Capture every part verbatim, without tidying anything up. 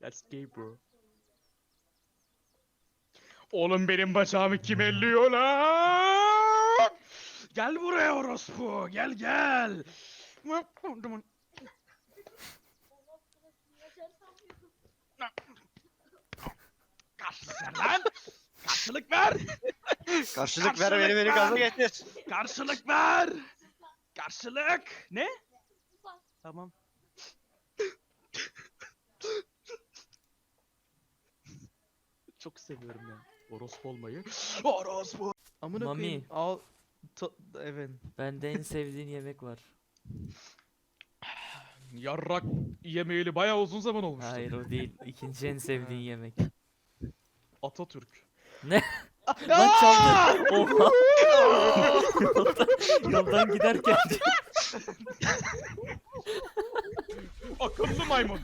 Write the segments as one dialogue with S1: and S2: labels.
S1: That's gay bro. Oğlum benim bacağımı kim elliyor lan? Gel buraya orospu. Gel gel. Karşılık ver lan. Karşılık ver.
S2: Karşılık ver beni beni gaza getir.
S1: Karşılık ver. Karşılık. Ne? Tamam. Çok seviyorum ya. Orospu olmayı. Orospu. Amına
S3: Mami.
S1: koyayım. Al. Ta- evet.
S3: Bende en sevdiğin yemek var.
S1: Yarrak yemeyeli bayağı uzun zaman olmuştu.
S3: Hayır o değil. İkinci en sevdiğin yemek.
S1: Atatürk.
S3: Ne? Lan çaldı. Oha. yoldan, yoldan giderken.
S1: Akıllı maymun.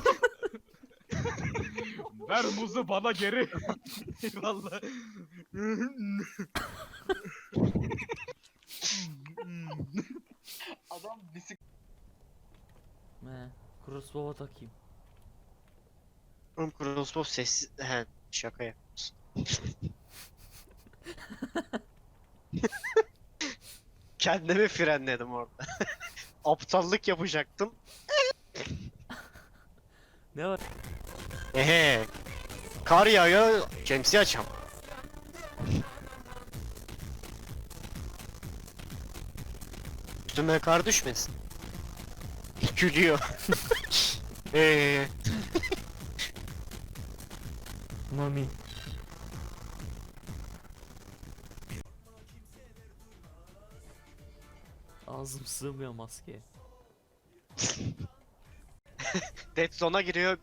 S1: Ver muzu bana geri. Eyvallah.
S2: Adam bisik...
S3: He. Crossbow'a takayım.
S2: Oğlum Crossbow sessiz... He şaka yapıyorsun. Kendimi frenledim orada. Aptallık yapacaktım.
S3: Ne var?
S2: Ehe. Kar yağıyor, şemsiye açam. Üstüme kar düşmesin. Gülüyor. Eee.
S3: Mami. Ağzım sığmıyor maskeye.
S2: Dead Zone'a giriyor.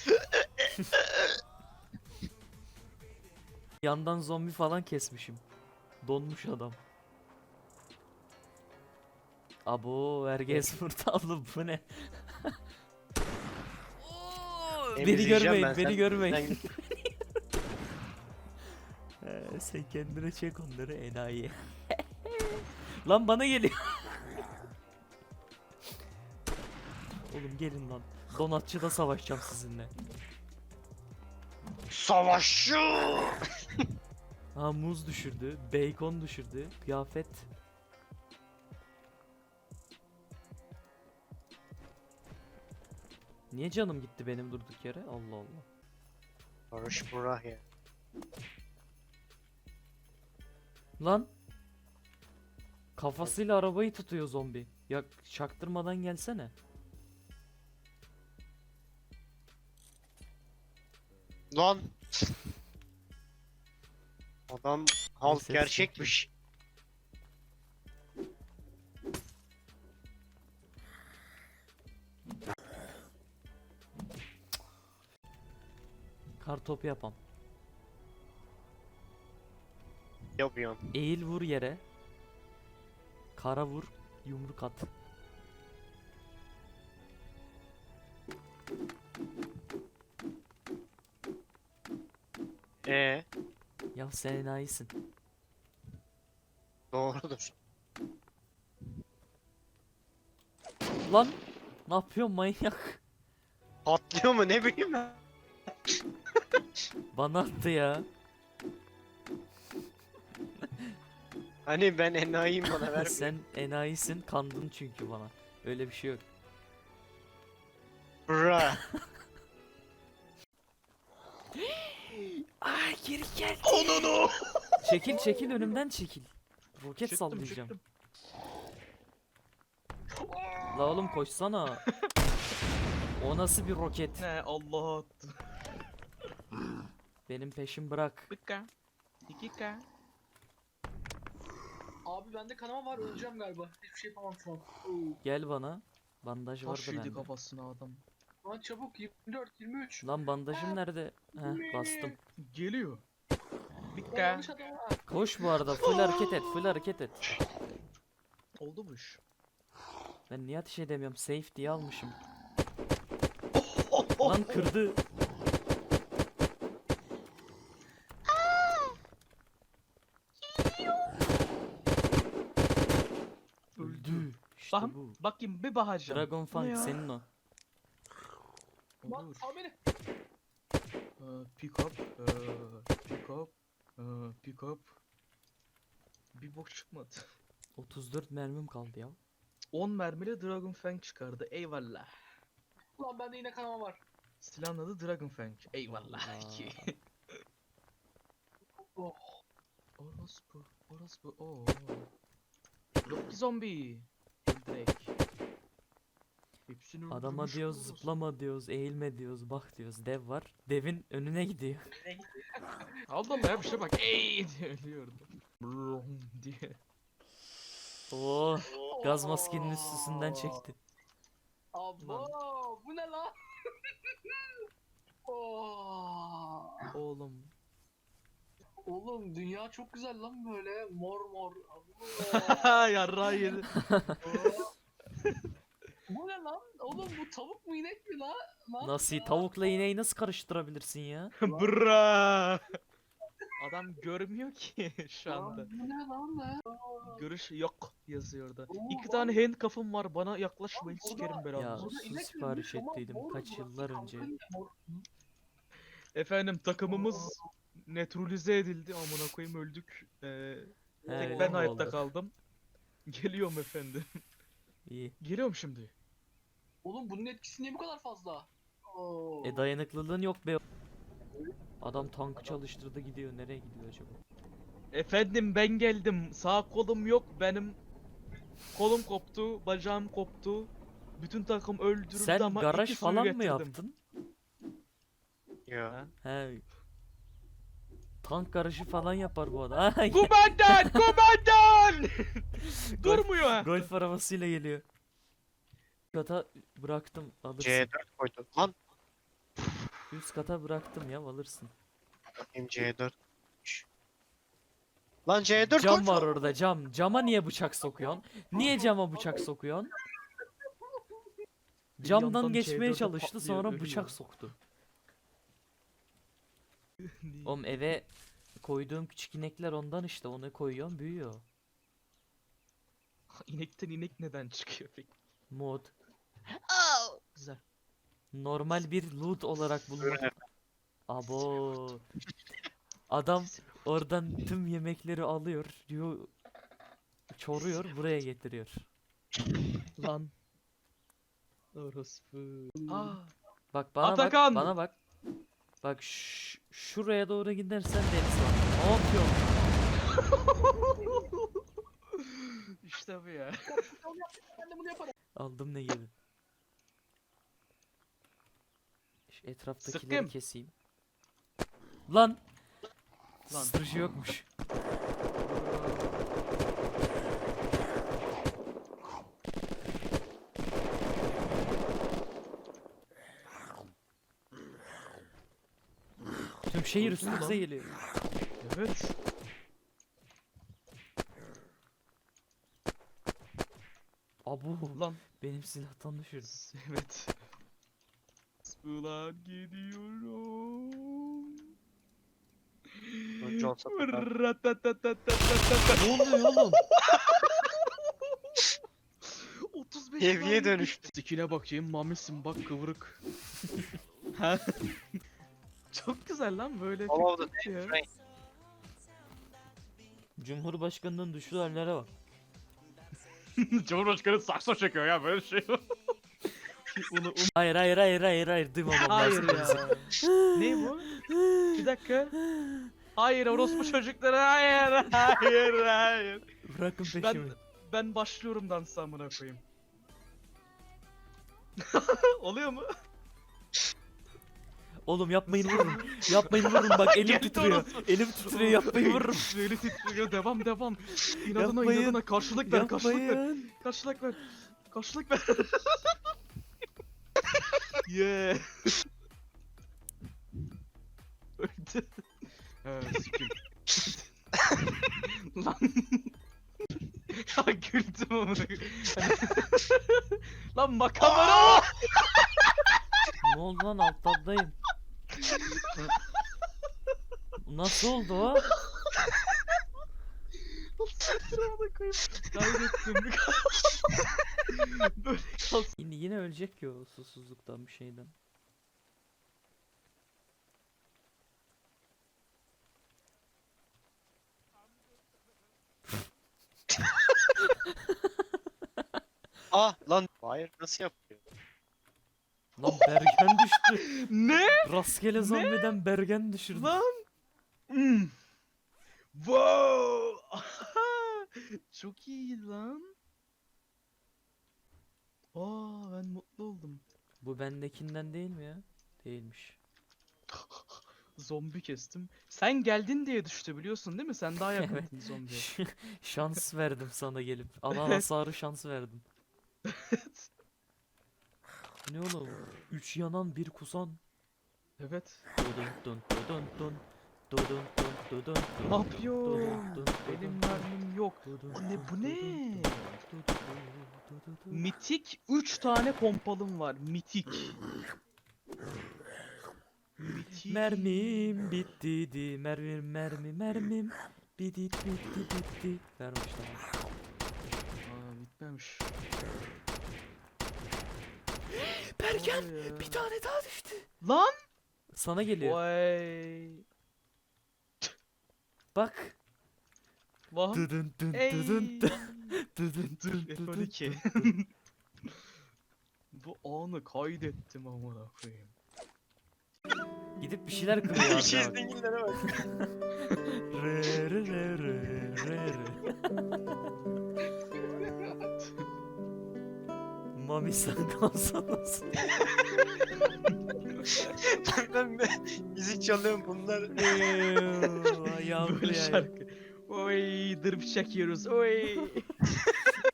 S3: Yandan zombi falan kesmişim. Donmuş adam. Abo Erges Murtallı bu ne? Oo, beni
S2: Emizleyeceğim
S3: görmeyin,
S2: ben,
S3: beni
S2: sen-
S3: görmeyin.
S2: sen-
S3: Ee, sen kendine çek onları enayi. Lan bana geliyor. Oğlum gelin lan. Donatçıda savaşacağım sizinle.
S2: Savaşçı.
S3: Ha muz düşürdü, bacon düşürdü, kıyafet. Niye canım gitti benim durduk yere? Allah Allah.
S2: Barış Burak ya.
S3: Lan. Kafasıyla arabayı tutuyor zombi. Ya çaktırmadan gelsene.
S2: Lan. Adam halk
S3: Neyse,
S2: gerçekmiş.
S3: Kar topu yapam.
S2: Yapıyorsun.
S3: Eğil vur yere. Kara vur, yumruk at.
S2: Ee,
S3: Ya sen enayisin.
S2: doğrudur.
S3: Lan ne yapıyorsun manyak?
S2: Patlıyor mu ne bileyim ben.
S3: Bana attı ya.
S2: Hani ben enayiyim bana ver.
S3: Sen enayisin, kandın çünkü bana. Öyle bir şey yok.
S2: Bra.
S3: Ay geri gel.
S1: Onunu.
S3: Çekil çekil önümden çekil. Roket
S1: Çıktım,
S3: sallayacağım.
S1: çıktım.
S3: La oğlum koşsana. O nasıl bir roket?
S1: Ne Allah attı.
S3: Benim peşim bırak.
S1: Bir K. iki K.
S4: Abi bende kanama var, öleceğim galiba. Hiçbir şey yapamam şu an.
S3: Gel bana. Bandaj vardı
S1: Taş yedi
S3: bende.
S1: kafasına adam.
S4: Lan çabuk yirmi dört yirmi üç.
S3: Lan bandajım nerede? Heh bastım.
S1: Geliyor. Bir
S4: Lan
S1: K.
S4: yanlış adam var.
S3: Koş bu arada full hareket et full hareket et.
S1: Oldu mu iş?
S3: Ben niye ateş edemiyorum? Safe diye almışım. Lan kırdı. Öldü. İşte
S1: Bakın,
S3: bu.
S1: bakayım bir bakacağım.
S3: Dragon
S1: Bu ne
S3: Fang
S1: ya?
S3: senin o.
S4: Lan
S1: Olur.
S4: sal beni.
S1: Ee, pick up. ee, pick up. ee, pick up. Bir bok çıkmadı.
S3: otuz dört mermim kaldı ya.
S1: on mermili Dragon Fang çıkardı. Eyvallah.
S4: Ulan bende yine kanama var.
S1: Silahın adı Dragon Fang. Eyvallah.
S3: Allah.
S4: Oh.
S1: Orospu. Orospu. Oo. Yok ki zombi. Direkt. Hepsini
S3: Adama
S1: öldürmüş
S3: diyoruz
S1: orospu.
S3: zıplama diyoruz, eğilme diyoruz, bak diyoruz. Dev var. Devin önüne gidiyor.
S1: Allah Allah ya bir şey bak. Ey diye ölüyordu. Brum diye.
S3: Oo, gaz maskenin üstünden çekti.
S4: Abo bu ne lan? Oh.
S1: Oğlum.
S4: Oğlum dünya çok güzel lan böyle mor mor. Abo.
S1: Yarrağı yedi.
S4: Bu ne lan? Oğlum bu tavuk mu inek mi lan? lan?
S3: Nasıl tavukla ineği nasıl karıştırabilirsin ya?
S1: Bra. Adam görmüyor ki şu
S4: Lan
S1: anda.
S4: bu ne lan lan?
S1: Görüş yok yazıyor orada.
S4: Oo,
S1: İki
S4: lan.
S1: tane handcuff'ım var. Bana yaklaşmayın
S4: Lan
S1: sikerim
S4: burada-
S3: Ya
S1: belanızı.
S4: Burada
S3: su
S4: inek
S3: sipariş
S4: ölmüş ama
S3: ettiydim
S4: mor
S3: kaç
S4: burası
S3: yıllar önce.
S4: kanka, mor.
S1: Efendim takımımız neutralize edildi. Amına koyayım öldük. Ee,
S3: He,
S1: tek ben
S3: öyle
S1: hayatta
S3: oldu.
S1: kaldım. Geliyorum efendim.
S3: İyi.
S1: Geliyorum şimdi.
S4: Oğlum bunun etkisi niye bu kadar fazla? Oo.
S3: E dayanıklılığın yok be. Adam tankı çalıştırdı gidiyor. Nereye gidiyor acaba?
S1: Efendim ben geldim. Sağ kolum yok benim. Kolum koptu, bacağım koptu. Bütün takım öldürüldü
S3: Sen
S1: ama
S3: garaj
S1: iki suyu
S3: falan mı
S1: getirdim.
S3: yaptın?
S2: Ya.
S1: Ha?
S3: He. Tank garajı falan yapar bu adam. Ha,
S1: Kumandan! Kumandan! Durmuyor ha.
S3: golf arabasıyla geliyor. Kata bıraktım alırsın.
S2: C dört koydum. Lan
S3: Üst kata bıraktım ya alırsın.
S2: bakayım C dört. Şş. Lan C dört
S3: Cam
S2: koy.
S3: var orada cam. Cama niye bıçak sokuyorsun? Niye cama bıçak sokuyorsun?
S1: Bir
S3: Camdan
S1: yandan
S3: geçmeye
S1: C dörde
S3: çalıştı
S1: patlıyor,
S3: sonra
S1: ölüyor.
S3: bıçak soktu. Oğlum eve koyduğum küçük inekler ondan işte onu koyuyorum büyüyor.
S1: İnekten inek neden çıkıyor peki?
S3: Mod.
S1: Güzel.
S3: Normal bir loot olarak bulmak. Abo. Adam oradan tüm yemekleri alıyor, diyor, çoruyor, buraya getiriyor.
S1: Lan. Orospu. Aa.
S3: Bak bana
S1: Atakan!
S3: bak, bana bak. Bak ş- şuraya doğru gidersen deniz var. Ne yapıyorsun?
S1: İşte bu ya.
S4: Ben de bunu yaparım.
S3: Aldım ne gibi. Şu etraftakileri
S1: Sıkkım.
S3: keseyim. Lan.
S1: Lan.
S3: Susturucu yokmuş. Tüm şehir
S1: Öldü mü
S3: üstümüze
S1: lan?
S3: geliyor.
S1: Evet.
S3: Abu
S1: Lan.
S3: benim silahtan düşürdüm.
S1: Evet. Ulan gidiyorum.
S2: Önce olsa kadar.
S1: Ratatatatatatatata.
S3: Ne oluyor oğlum?
S1: otuz beş
S2: Heavy'ye
S1: mermi
S2: dönüştü.
S1: Sikine bakayım mamisin bak kıvırık. Ha? Çok güzel lan böyle
S2: All of the
S1: fikir ya.
S2: Frank.
S3: Cumhurbaşkanının düştüğü hallere bak.
S1: Cumhurbaşkanı sakso çekiyor ya böyle şey. Onu,
S3: Hayır hayır hayır hayır hayır duymamam
S1: Hayır
S3: lazım.
S1: ya. Ne bu? Bir dakika. Hayır orospu çocukları hayır hayır hayır.
S3: Bırakın peşimi.
S1: Ben ben başlıyorum dansa amına koyayım. Oluyor mu?
S3: Oğlum yapmayın vurun. Yapmayın vurun bak elim
S1: Geldi
S3: titriyor.
S1: orospu.
S3: Elim titriyor yapmayın vurun.
S1: Eli titriyor devam devam. İnadına
S3: Yapmayın.
S1: inadına karşılık ver karşılık ver.
S3: Yapmayın.
S1: Karşılık ver. Karşılık ver. Yeah. Öldü. He sikim. Lan. Ya güldüm amına koyayım. Lan makamara.
S3: Ne oldu lan alt tabdayım. Nasıl oldu o?
S1: Amına koyayım. Kaybettim. Böyle kalsın.
S3: Yine, yine ölecek ki o susuzluktan bir şeyden.
S2: Ah lan. Hayır nasıl yapıyor?
S3: Lan Bergen düştü.
S1: Ne?
S3: Rastgele zombiden Bergen düşürdü.
S1: Lan. Hmm. Wow. Çok iyi lan. Aa ben mutlu oldum.
S3: Bu bendekinden değil mi ya? Değilmiş.
S1: Zombi kestim. Sen geldin diye düştü biliyorsun değil mi? Sen daha yakındın zombiye.
S3: Şans verdim sana gelip. Alan
S1: Evet.
S3: hasarı şans verdim. Ne oğlum? Üç yanan bir kusan.
S1: Evet.
S3: Dudun dun dudun dun. Dudun dun dudun dun.
S1: Ne yapıyor?
S3: Dudun dun
S1: Benim
S3: dudun dun.
S1: mermim yok.
S3: Dudun
S1: Bu ne
S3: dun
S1: bu
S3: dudun
S1: ne?
S3: dun. Dudun dun dudun dun.
S1: Mitik üç tane pompalım var. Mitik. Mitik.
S3: Mermim bitti di mermim mermi mermim bitti bitti bitti vermiş tamam.
S1: Aa bitmemiş.
S3: Bergen
S1: Vay ya.
S3: bir tane daha düştü.
S1: Lan!
S3: Sana geliyor.
S1: Vay.
S3: Bak.
S1: Vah.
S3: Dıdın dın
S1: Ey.
S3: dıdın dın dıdın
S1: Dur
S3: dın
S1: F
S3: dıdın
S1: on iki.
S3: dın.
S1: Bu anı kaydettim amına koyayım.
S3: Gidip bir şeyler kırıyor abi.
S2: Şey
S3: bak.
S2: zengillere bak.
S3: Re re re re re re. Mami sen kalsanız.
S2: ben de müzik çalıyorum bunlar.
S3: Yavru
S1: Böyle
S3: ya.
S1: şarkı. Oy dırp çekiyoruz. Oy.